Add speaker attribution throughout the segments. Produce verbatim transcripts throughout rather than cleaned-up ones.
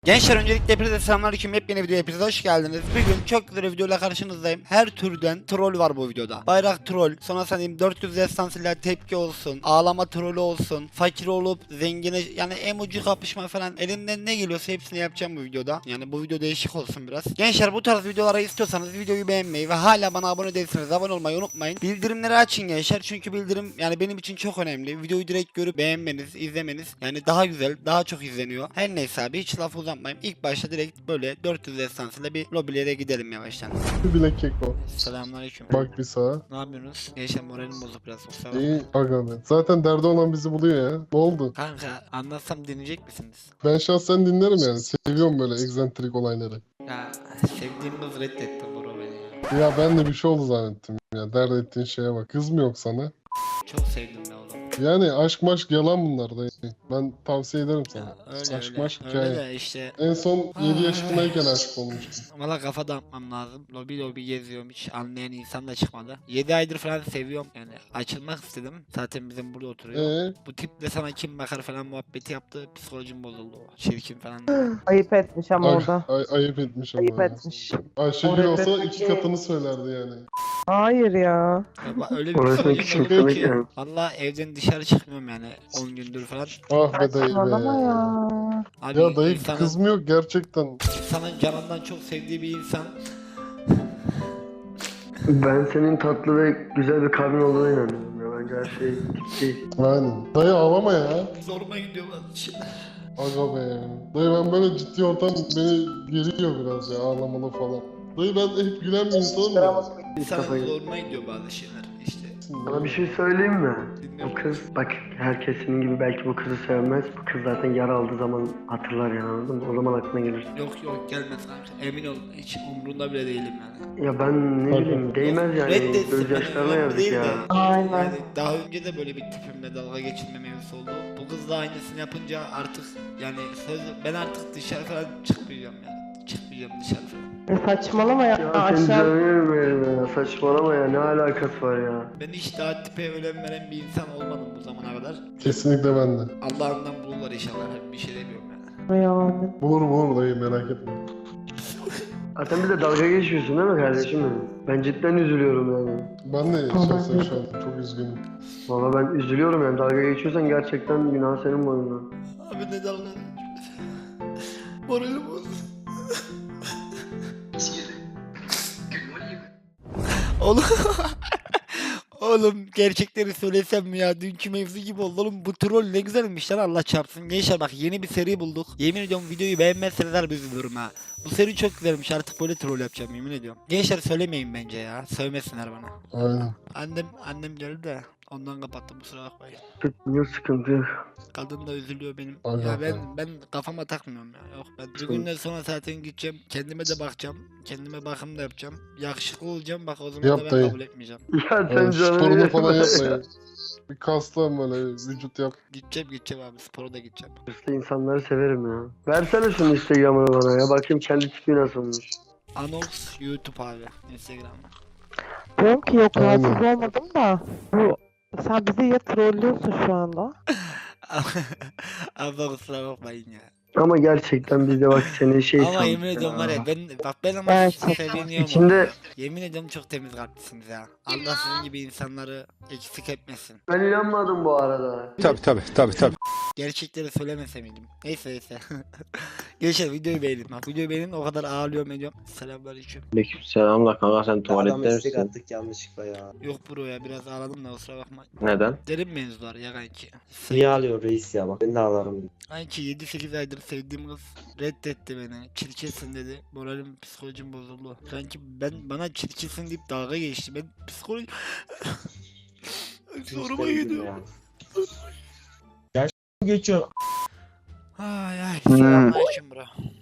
Speaker 1: Gençler öncelikle hepinize selamünaleyküm. Yepyeni video hepinize hoş geldiniz. Bugün çok güzel bir videoyla karşınızdayım. Her türden troll var bu videoda. Bayrak troll, sonra sanayım dört yüz destansıyla tepki olsun, ağlama trolü olsun, fakir olup zengine yani emoji kapışma falan, elimden ne geliyorsa hepsini yapacağım bu videoda. Yani bu video değişik olsun biraz. Gençler bu tarz videoları istiyorsanız videoyu beğenmeyi ve hala bana abone değilseniz abone olmayı unutmayın. Bildirimleri açın gençler, çünkü bildirim yani benim için çok önemli. Videoyu direkt görüp beğenmeniz, izlemeniz yani daha güzel, daha çok izleniyor. Her neyse abi, hiç laf uzatmayayım. İlk başta direkt böyle dört yüz destansıyla bir lobilere gidelim yavaştan.
Speaker 2: Bir bilek kek o.
Speaker 1: Selamünaleyküm.
Speaker 2: Bak bir sağa.
Speaker 1: Ne yapıyorsunuz? Gençler moralim bozuk biraz. Kusura bakma.
Speaker 2: İyi aga be. Zaten derdi olan bizi buluyor ya. Ne oldu?
Speaker 1: Kanka anlatsam dinleyecek misiniz?
Speaker 2: Ben şahsen dinlerim yani. Seviyorum böyle egzantrik olayları.
Speaker 1: Ya sevdiğim kız reddetti bro beni ya.
Speaker 2: Ya ben de bir şey oldu zannettim ya. Dert ettiğin şeye bak. Kız mı yok sana?
Speaker 1: Çok sevdim be oğlum.
Speaker 2: Yani aşk maşk yalan bunlar da. Ben tavsiye ederim sana.
Speaker 1: Ya, öyle
Speaker 2: aşk
Speaker 1: öyle.
Speaker 2: maşk
Speaker 1: Öyle
Speaker 2: hikaye.
Speaker 1: de işte.
Speaker 2: En son yedi
Speaker 1: Ay.
Speaker 2: yaşındayken aşık olmuştum.
Speaker 1: Valla kafa dağıtmam lazım. Lobi lobi geziyorum, hiç anlayan insan da çıkmadı. yedi aydır falan seviyorum yani, açılmak istedim. Zaten bizim burada oturuyor.
Speaker 2: Eee?
Speaker 1: Bu tiple sana kim bakar falan muhabbeti yaptı. Psikolojim bozuldu. Çirkin falan.
Speaker 3: Ayıp etmiş ama
Speaker 2: Ay,
Speaker 3: orada.
Speaker 2: ay, ayıp etmiş ama
Speaker 3: Ayıp
Speaker 2: ya.
Speaker 3: etmiş.
Speaker 2: Ayşegül
Speaker 3: Oraya
Speaker 2: olsa
Speaker 3: demek
Speaker 2: iki
Speaker 3: ki-
Speaker 2: katını söylerdi yani.
Speaker 3: Hayır ya.
Speaker 1: Ya bak, öyle bir
Speaker 4: Orası
Speaker 1: psikolojim
Speaker 4: küçük
Speaker 1: bozuldu
Speaker 4: demek
Speaker 1: ki.
Speaker 4: yani.
Speaker 1: Valla evden dışarı çıkmıyorum yani on gündür falan.
Speaker 2: Ah be dayı
Speaker 3: Saçmalama
Speaker 2: be.
Speaker 3: ya.
Speaker 1: Abi
Speaker 2: Ya dayı
Speaker 1: insanın,
Speaker 2: kız mı yok gerçekten?
Speaker 1: insanın canından çok sevdiği bir insan
Speaker 4: Ben senin tatlı ve güzel bir kalbin olduğuna inanıyorum ya. Bence her şey tip değil.
Speaker 2: Aynen. Dayı ağlama ya.
Speaker 1: zoruma gidiyor bazı şeyler.
Speaker 2: Aga be. Dayı ben böyle ciddi ortam beni geriyor biraz ya, ağlamalı falan. Dayı ben hep gülen bir insanım ya.
Speaker 1: İnsanın
Speaker 4: kafayı-
Speaker 1: zoruma gidiyor bazı şeyler işte.
Speaker 4: Sana bir şey söyleyeyim mi? Bu
Speaker 1: Dinliyorum.
Speaker 4: kız, bak herkes senin gibi belki bu kızı sevmez. Bu kız zaten yara aldığı zaman hatırlar yani, anladın mı? O zaman aklına gelir.
Speaker 1: Yok yok gelmez kanka. Emin ol, hiç umrunda bile değilim yani.
Speaker 4: Ya ben ne
Speaker 2: Tabii.
Speaker 4: bileyim, değmez yani.
Speaker 1: Reddetsin,
Speaker 4: Gözyaşlarına
Speaker 1: benim
Speaker 4: yazık
Speaker 1: değil
Speaker 4: ya.
Speaker 1: de.
Speaker 3: Aynen.
Speaker 1: Yani daha önce de böyle bir tipimle dalga geçilme mevzusu oldu. Bu kız da aynısını yapınca artık yani söz, ben artık dışarı falan çıkmayacağım yani. Çıkmayacağım dışarı falan.
Speaker 3: E saçmalama ya.
Speaker 4: Ya sen
Speaker 3: Aşağı.
Speaker 4: canım benim ya. Saçmalama ya, ne alakası var ya.
Speaker 1: Ben hiç daha tipe önem veren bir insan olmadım bu zamana kadar.
Speaker 2: Kesinlikle ben de.
Speaker 1: Allah'ından bulurlar inşallah. Bir şey demiyorum yani.
Speaker 3: Yani.
Speaker 2: Vur vur dayı, merak etme.
Speaker 4: Zaten bir de dalga geçiyorsun değil mi kardeşim benim? Ben cidden üzülüyorum yani.
Speaker 2: Ben de
Speaker 3: Tamam.
Speaker 2: şahsen şu an çok üzgünüm.
Speaker 4: Valla ben üzülüyorum yani, dalga geçiyorsan gerçekten günah senin boynuna.
Speaker 1: Abi ne dalga? Moralim bozuldu. Oğlum. Oğlum gerçekleri söylesem mi ya, dünkü mevzu gibi oldu oğlum. Bu troll ne güzelmiş lan, Allah çarpsın. Gençler bak, yeni bir seri bulduk. Yemin ediyorum videoyu beğenmezseniz harbi üzülürüm ha. Bu seri çok güzelmiş, artık böyle troll yapacağım yemin ediyorum. Gençler söylemeyin bence ya, sövmesinler bana.
Speaker 2: Aynen.
Speaker 1: Annem annem geldi de ondan kapattım, kusura bakmayın.
Speaker 4: Yok, sıkıntı yok.
Speaker 1: Kadın da üzülüyor benim.
Speaker 2: Aynen.
Speaker 1: Ya ben ben kafama takmıyorum ya. Yok, ben bir günden sonra zaten gideceğim. Kendime de bakacağım. Kendime bakım da yapacağım. Yakışıklı olacağım. Bak o zaman
Speaker 2: Yap
Speaker 1: da ben
Speaker 2: dayı.
Speaker 1: kabul etmeyeceğim.
Speaker 4: Ya sen
Speaker 2: Yani
Speaker 4: canını
Speaker 2: sporunu
Speaker 4: yerim.
Speaker 2: falan yapmayın. Bir kaslan böyle vücut yap.
Speaker 1: Gideceğim gideceğim abi, spora da gideceğim.
Speaker 4: Hırslı insanları severim ya. Versene şunu Instagram'ını bana ya. Bakayım kendi tipi nasılmış.
Speaker 1: Anox YouTube abi. Instagram'da.
Speaker 3: Diyorum ki yok,
Speaker 2: Aynen.
Speaker 3: rahatsız olmadım da. Bu sen bizi ya trollüyorsun şu anda.
Speaker 1: Abla kusura bakmayın ya.
Speaker 4: Ama gerçekten biz de bak seni şey
Speaker 1: Ama
Speaker 4: sandık
Speaker 1: yemin ediyorum var ya, ben bak ben ama
Speaker 3: Evet,
Speaker 1: sizi
Speaker 3: çok-
Speaker 1: seviniyorum.
Speaker 4: İçinde
Speaker 1: Yemin ediyorum çok temiz kalplisiniz ya. Allah sizin gibi insanları eksik etmesin.
Speaker 4: ben inanmadım bu arada.
Speaker 5: Tabii tabii tabii tabii.
Speaker 1: Gerçekleri söylemese miydim? Neyse neyse. Gençler videoyu beğenin. Bak videoyu beğenin, o kadar ağlıyorum ediyorum. Selamünaleyküm.
Speaker 6: Aleykümselam da kanka, sen
Speaker 7: Adam
Speaker 6: tuvalette
Speaker 7: istek
Speaker 6: misin?
Speaker 7: attık yanlışlıkla ya.
Speaker 1: Yok bro ya, biraz ağladım da kusura bakma.
Speaker 6: Neden?
Speaker 1: Derin mevzular ya kanki.
Speaker 7: Niye ağlıyor reis ya, bak ben de ağlarım.
Speaker 1: Kanki yedi sekiz aydır sevdiğim kız reddetti beni. Çirkinsin dedi. Moralim, psikolojim bozuldu. Kanki ben, bana çirkinsin deyip dalga geçti. Ben psikoloji... Zoruma gidiyor.
Speaker 7: Geçiyor.
Speaker 1: Ay ay.
Speaker 4: Hmm.
Speaker 1: Selamünaleyküm bro.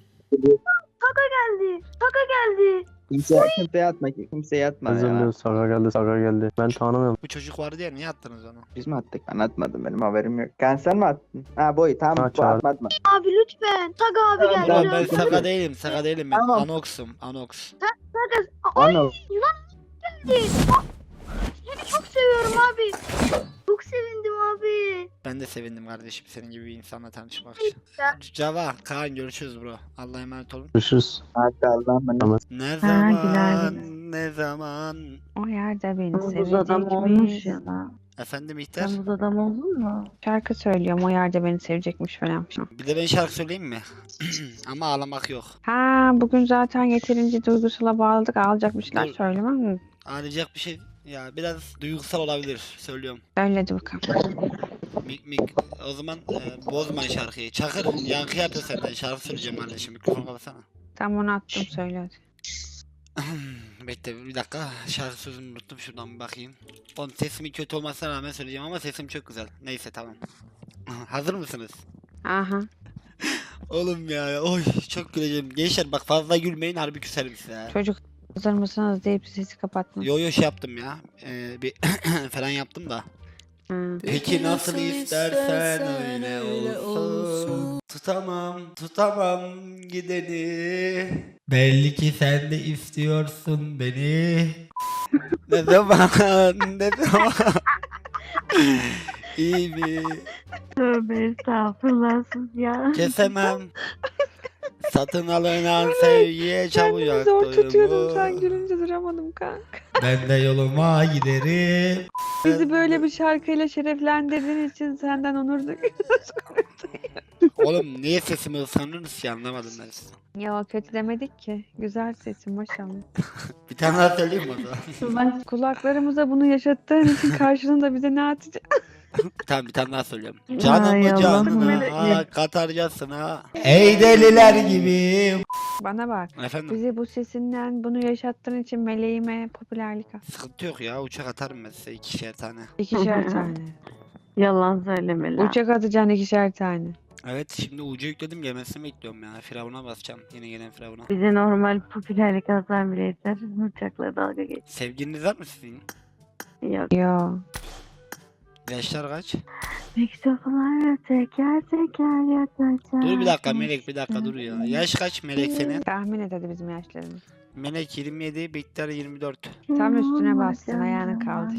Speaker 8: geldi. Taka geldi.
Speaker 7: Kimseye, kimseye atma, kimseye atma ya.
Speaker 6: Saga geldi, Saga geldi. Ben tanımıyorum.
Speaker 1: Bu çocuk vardı ya, niye attınız onu?
Speaker 7: Biz mi attık? Ben atmadım, benim haberim yok. Kanser mi attın? Ha boy, tamam
Speaker 6: Ha,
Speaker 7: bu
Speaker 6: çağır.
Speaker 7: atma atma.
Speaker 8: Abi lütfen. Taka abi
Speaker 7: Tamam,
Speaker 8: geldi.
Speaker 1: Ulan ben
Speaker 7: tamam.
Speaker 1: Saga değilim, Saga değilim ben.
Speaker 7: Tamam.
Speaker 1: Anox'um, Anox.
Speaker 8: Ay
Speaker 7: Anıl.
Speaker 8: seni çok seviyorum abi. Bu çok sevindim abi.
Speaker 1: Ben de sevindim kardeşim senin gibi bir insanla tanışmak
Speaker 8: Ya.
Speaker 1: için. Cava, Kaan görüşürüz bro. Allah'a emanet olun.
Speaker 6: Görüşürüz.
Speaker 7: Hadi Allah'ım bana.
Speaker 1: Ne
Speaker 3: güler
Speaker 1: zaman,
Speaker 3: güler.
Speaker 1: ne zaman.
Speaker 3: O yerde beni
Speaker 5: Buz adam
Speaker 3: sevecek
Speaker 5: olmuş
Speaker 3: miyiz?
Speaker 5: ya da.
Speaker 1: Efendim İhter?
Speaker 5: Sen buz adam oldun mu?
Speaker 3: Şarkı söylüyorum o yerde beni sevecekmiş falan.
Speaker 1: Bir de ben şarkı söyleyeyim mi? Ama ağlamak yok.
Speaker 3: Ha bugün zaten yeterince duygusala bağladık ağlayacak bir şeyler
Speaker 1: Dur.
Speaker 3: söylemem mi?
Speaker 1: Ağlayacak bir şey ya biraz duygusal olabilir söylüyorum.
Speaker 3: Söyledi bakalım.
Speaker 1: Mik mik o zaman e, bozma şarkıyı. Çakır yankı yapıyor senden şarkı söyleyeceğim kardeşim mikrofonu kapatsana.
Speaker 3: Tam onu attım söyle hadi.
Speaker 1: Bekle bir dakika şarkı sözünü unuttum şuradan bir bakayım. Oğlum sesimin kötü olmasına rağmen söyleyeceğim ama sesim çok güzel. Neyse tamam. Hazır mısınız?
Speaker 3: Aha.
Speaker 1: Oğlum ya oy çok güleceğim. Gençler bak fazla gülmeyin harbi küserim size ya.
Speaker 3: Çocuk hazır mısınız deyip sesi kapattım.
Speaker 1: Yo yo şey yaptım ya. Ee, bir falan yaptım da.
Speaker 3: Ha.
Speaker 1: Peki nasıl istersen öyle olsun. Tutamam, tutamam gideni. Belli ki sen de istiyorsun beni. Ne zaman, ne zaman. İyi mi?
Speaker 5: Tövbe estağfurullah siz ya.
Speaker 1: Kesemem. Satın alınan sevgiye çabucak
Speaker 3: Kendimi zor tutuyordum sen
Speaker 1: doyumu.
Speaker 3: gülünce duramadım kanka.
Speaker 1: Ben de yoluma giderim.
Speaker 3: Bizi böyle bir şarkıyla şereflendirdiğin için senden onur duyuyoruz.
Speaker 1: Oğlum niye sesimi ısınırız ki anlamadım ben size.
Speaker 3: Ya kötü demedik ki. Güzel sesin maşallah.
Speaker 1: Bir tane daha söyleyeyim mi o zaman?
Speaker 3: Kulaklarımıza bunu yaşattığın için karşılığında bize ne atacak?
Speaker 1: Tamam bir tane daha söylüyorum.
Speaker 5: Ay
Speaker 1: Canımı
Speaker 5: Allah'ım.
Speaker 1: canına katarcasına. Ey deliler gibi.
Speaker 3: Bana bak.
Speaker 1: Efendim
Speaker 3: Bizi bu sesinden bunu yaşattığın için meleğime popülerlik al.
Speaker 1: sıkıntı yok ya uçak atarım ben size ikişer tane.
Speaker 3: İkişer tane.
Speaker 5: Yalan söyleme lan.
Speaker 3: Uçak atacaksın ikişer tane.
Speaker 1: Evet şimdi ucu yükledim gelmesini bekliyorum ya. Firavuna basacağım yine gelen Firavuna.
Speaker 5: Bize normal popülerlik alsan bile yeter. Uçakla dalga geç.
Speaker 1: Sevgiliniz var mı sizin?
Speaker 5: Yok.
Speaker 3: Yo.
Speaker 1: Yaşlar kaç?
Speaker 5: Mektuplar teker teker yakacak.
Speaker 1: Dur bir dakika Melek bir dakika dur ya. Yaş kaç Melek senin?
Speaker 3: Tahmin et hadi bizim yaşlarımız.
Speaker 1: Melek yirmi yedi, Bihter yirmi dört.
Speaker 3: Tam üstüne bastın, ayağını kaldır.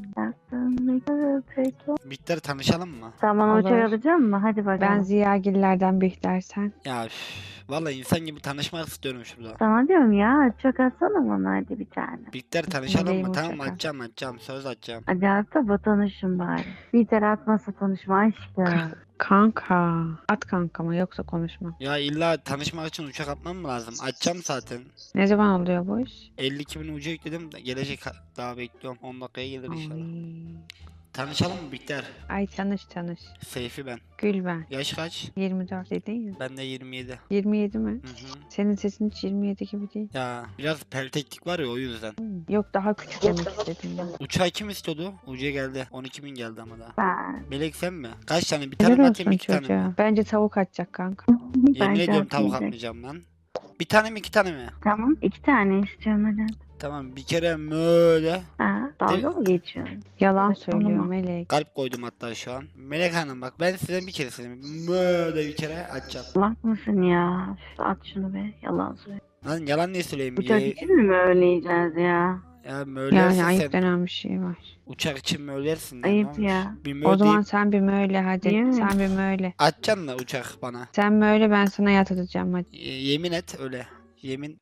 Speaker 1: Bihter tanışalım mı?
Speaker 5: Sen bana
Speaker 3: Olur.
Speaker 5: uçak alacak mısın? Hadi bakalım.
Speaker 3: Ben Ziyagillerden Bihtersen.
Speaker 1: Ya üf, vallahi insan gibi tanışmak istiyorum şurada.
Speaker 5: Sana diyorum ya uçak atsana bana hadi bir tane.
Speaker 1: Bihter tanışalım
Speaker 3: Meleğim
Speaker 1: mı?
Speaker 3: uçak
Speaker 1: Tamam
Speaker 3: al.
Speaker 1: atacağım atacağım söz atacağım.
Speaker 5: Hadi at da tanışın bari. Bir kere atmasa tanışma aşkım.
Speaker 3: Kanka. At kankama yoksa konuşma.
Speaker 1: Ya illa tanışmak için uçak atmam mı lazım? Açacağım zaten.
Speaker 3: Ne zaman oluyor bu iş?
Speaker 1: elli iki bin ucu yükledim de gelecek ha- daha bekliyorum. on dakikaya gelir inşallah.
Speaker 3: Ay.
Speaker 1: Tanışalım mı Bihter?
Speaker 3: Ay tanış tanış.
Speaker 1: Seyfi ben.
Speaker 3: Gül ben.
Speaker 1: Yaş kaç?
Speaker 3: yirmi dört dedin ya.
Speaker 1: Ben de yirmi yedi.
Speaker 3: yirmi yedi mi?
Speaker 1: Hı hı.
Speaker 3: Senin sesin hiç yirmi yedi gibi değil.
Speaker 1: Ya biraz pelteklik var ya o yüzden.
Speaker 3: Hmm. Yok daha küçük demek istedim ben.
Speaker 1: Uçağı kim istiyordu? Ucuya geldi. on iki bin geldi ama daha.
Speaker 5: Ben.
Speaker 1: Melek sen mi? Kaç tane? Bir tane mi
Speaker 3: Helal
Speaker 1: atayım
Speaker 3: olsun
Speaker 1: iki tane mi?
Speaker 3: çocuğa. Bence tavuk atacak kanka.
Speaker 1: Yemin
Speaker 5: Bence
Speaker 1: ediyorum tavuk
Speaker 5: atmayacak.
Speaker 1: atmayacağım lan. Bir tane mi iki tane mi?
Speaker 5: Tamam iki tane istiyorum hadi.
Speaker 1: Tamam bir kere böyle
Speaker 5: Ha, dalga mı geçiyorsun?
Speaker 3: Yalan
Speaker 5: Saçmalama.
Speaker 3: söylüyor Melek.
Speaker 1: kalp koydum hatta şu an. Melek Hanım bak ben size bir kere söyleyeyim. Böyle bir kere açacağım.
Speaker 5: Salak mısın ya? Üf, At şunu be yalan söyle.
Speaker 1: Lan yalan niye söyleyeyim?
Speaker 5: Uçak
Speaker 1: Ye-
Speaker 5: için mi böyle yiyeceğiz ya?
Speaker 1: ya möylersin
Speaker 3: Yani ayıp
Speaker 1: sen.
Speaker 3: denen bir şey var.
Speaker 1: Uçak için möylersin. lan, ne
Speaker 5: Ayıp
Speaker 1: olmuş?
Speaker 5: ya.
Speaker 1: Bir mö
Speaker 3: O zaman
Speaker 1: deyip
Speaker 3: sen bir möyle hadi.
Speaker 5: Niye mi?
Speaker 3: Sen bir möyle.
Speaker 1: açacaksın da uçak bana.
Speaker 3: Sen möyle ben sana yat atacağım hadi.
Speaker 1: Y- yemin et öyle. Yemin.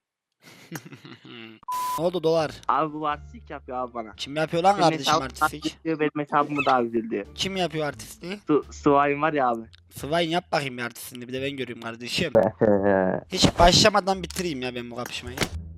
Speaker 1: Ne oldu dolar?
Speaker 9: Abi bu artistlik yapıyor abi bana.
Speaker 1: Kim yapıyor lan
Speaker 9: Benim
Speaker 1: kardeşim
Speaker 9: hesabım
Speaker 1: artistlik?
Speaker 9: artistlik diyor, benim hesabımı daha güzel diyor.
Speaker 1: Kim yapıyor artistliği?
Speaker 9: Su, Suay'ın var ya abi.
Speaker 1: Swine yap bakayım bir artistliğini bir de ben göreyim kardeşim. Hiç başlamadan bitireyim ya ben bu kapışmayı.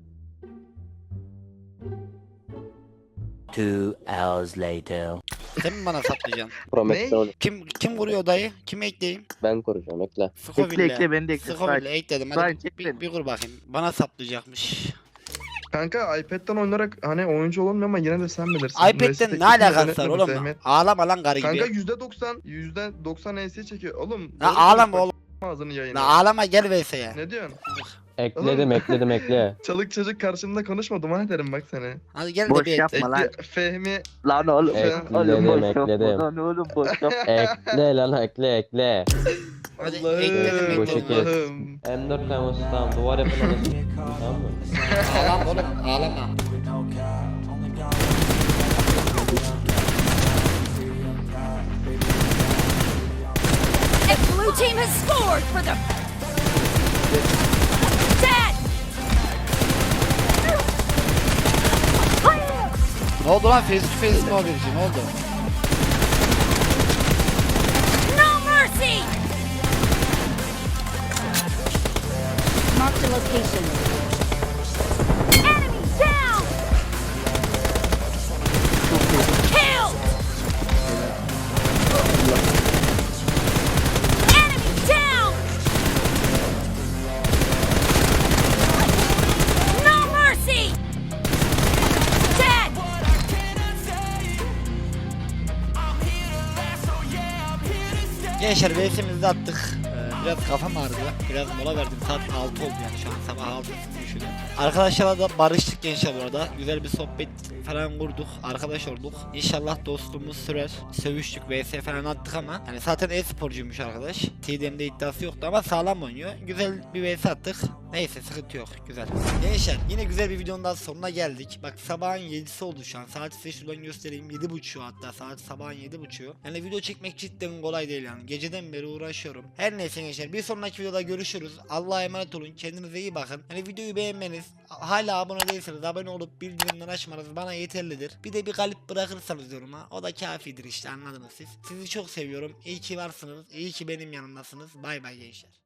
Speaker 10: Two hours later.
Speaker 1: Sen mi bana saplayacaksın?
Speaker 6: Prometheus
Speaker 1: Kim kim kuruyor odayı? Kimi ekleyeyim?
Speaker 6: ben kuracağım ekle.
Speaker 9: Ekle ekle beni de ekle.
Speaker 1: Sıkoville ekledim.
Speaker 9: Swine
Speaker 1: Hadi
Speaker 9: çek
Speaker 1: bir,
Speaker 9: beni.
Speaker 1: bir kur bakayım. Bana saplayacakmış.
Speaker 11: Kanka iPad'den oynarak hani oyuncu olmuyor ama yine de sen bilirsin. Neyse,
Speaker 1: iPad'den
Speaker 11: teknik
Speaker 1: ne alakası var
Speaker 11: yönetmeni
Speaker 1: oğlum?
Speaker 11: Zehmet.
Speaker 1: Ağlama lan karı
Speaker 11: Kanka
Speaker 1: gibi.
Speaker 11: yüzde doksan, yüzde doksan E S çekiyor. Oğlum.
Speaker 1: La
Speaker 11: doğru
Speaker 1: ağlama
Speaker 11: konuş
Speaker 1: oğlum.
Speaker 11: bak, Ağzını yayına.
Speaker 1: La ağlama gel V S'ye.
Speaker 11: Ne diyorsun?
Speaker 6: Ekledim ekledim ekle.
Speaker 11: Çalık çocuk karşımda konuşma duman ederim bak seni.
Speaker 1: Hadi gel de
Speaker 9: Boş
Speaker 1: bir et.
Speaker 9: yapma lan.
Speaker 11: Ekle, Fehmi.
Speaker 9: Lan oğlum.
Speaker 11: Ekledim,
Speaker 9: Oğlum boş
Speaker 6: ekledim.
Speaker 9: yapma lan oğlum boş yapma.
Speaker 6: Ekle lan ekle ekle.
Speaker 1: Hadi ekledim
Speaker 6: Bu
Speaker 11: Allah'ım.
Speaker 6: şekil.
Speaker 11: Allah'ım.
Speaker 6: M dört kamerası tamam duvar yapın orası. Tamam mı?
Speaker 1: Ağlama oğlum ağlama.
Speaker 8: Blue team has scored for the... Dead!
Speaker 1: Ne oldu lan, face to face mi o birisi, ne oldu?
Speaker 8: No mercy! Mark the location. Enemy down! Killed! Enemy down! No mercy! Dead!
Speaker 1: Gençler VS'imizi attık. Ee, biraz kafam ağrıdı. Biraz mola verdim. Saat altı oldu yani, şu an sabah altı düşünün. Arkadaşlarla da barıştık gençler bu arada. Güzel bir sohbet falan kurduk. Arkadaş olduk. İnşallah dostluğumuz sürer. Sövüştük, V S falan attık ama yani zaten e-sporcuymuş arkadaş. T D M'de iddiası yoktu ama sağlam oynuyor. Güzel bir V S attık. Neyse, sıkıntı yok. Güzel. Gençler yine güzel bir videonun daha sonuna geldik. Bak sabahın yedisi oldu şu an. Saat size şuradan göstereyim. yedi buçuk hatta. Saat sabahın yedi buçuk. Yani video çekmek cidden kolay değil yani. Geceden beri uğraşıyorum. Her neyse gençler, bir sonraki videoda görüşürüz. Allah'a emanet olun. Kendinize iyi bakın. Hani videoyu beğenmeniz, hala abone değilseniz abone olup bildirimleri açmanız bana yeterlidir. Bir de bir kalp bırakırsanız yoruma, o da kafidir işte, anladınız siz. Sizi çok seviyorum. İyi ki varsınız. İyi ki benim yanımdasınız. Bay bay gençler.